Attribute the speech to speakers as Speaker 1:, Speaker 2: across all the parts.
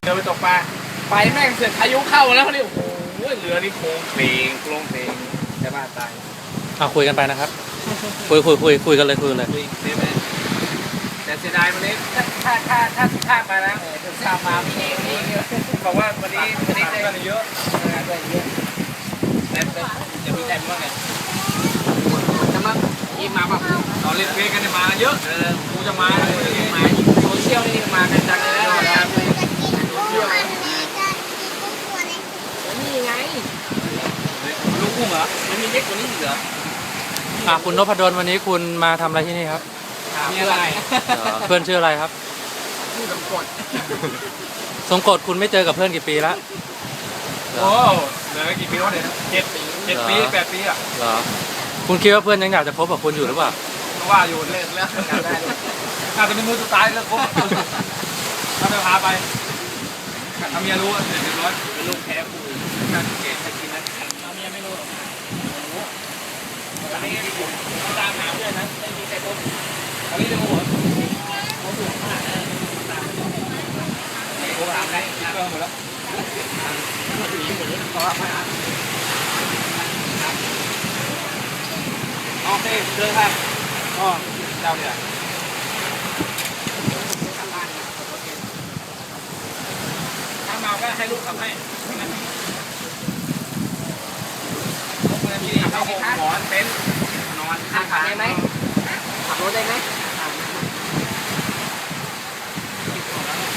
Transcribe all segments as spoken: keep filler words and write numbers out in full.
Speaker 1: เดินไปตกปลาไปแม่งเสือกพายุเข้าแล้วนี่โอ้โหเรือนี่โค้งเพลงโค้งเพลงจะบ้าตาย
Speaker 2: เอาคุยกันไปนะครับ คุยคุยคุยคุยกันเลยคุยกันเลย
Speaker 1: คุยได้ไหมแต่เสียดายวันนี้ถ้าถ้าถ้าถ้าสุภาพมาแล้วสุภาพมาพี่เองนี่บอกว่าวันนี้วันนี้ได้เยอะได้เยอะแต่จะมีใจมั้งไงจะมาอีมาแบบตอนเล่นเพลงกันมาเยอะเออกูจะมามาโซเชียลนี่มากันจังเลยนะนี่ไงลูกกุ้งเหรอมันมีเล็กกว่านี้อีกเหรอ
Speaker 2: อ่ะคุณนพดลวันนี้คุณมาทำอะไรที่นี่ครับ
Speaker 1: มีอะไร
Speaker 2: เพื่อนชื่ออะไรครับ
Speaker 1: ชื่อสมกด
Speaker 2: สมกดคุณไม่เจอกับเพื่อนกี่ปีแล้ว
Speaker 1: โอ้เหลือกี่ปีวะเนี่ยเจ็ดปีเจ็ดปีแปดปีอ่ะ
Speaker 2: เหรอคุณคิดว่าเพื่อนยังอยากจะพบกับคุณอยู่หรือเปล่า
Speaker 1: ว่าอยู่เล่นแล้วน่าจะเป็นมือสุดท้ายแล้วครบถ้าไปพาไปถ้าเมียรู้เสร็จเรียบร้อยเป็นลูกแพ้กูน่าจะเกลียดใครกินนะถ้าเมียไม่รู้หรอกตอนนี้ผมตามหาเพื่อนนะไม่มีใครพบตอนนี้จะโง่เขาสูงขนาดนั้นตามผมถามได้เครื่องหมดแล้วขอรับมาโอเคเดินครับอ๋อเจ้าเนี่ยถ้าเมาก็ให้ลูกขับให้ลูกมันมีเข้าหมอนเต็นท์นอนขับได้ไหมขับรถได้ไหม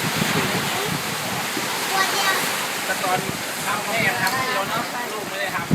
Speaker 1: แต่ตอนทำแม่ทำให้เราเนาะลูกไม่ได้ทำ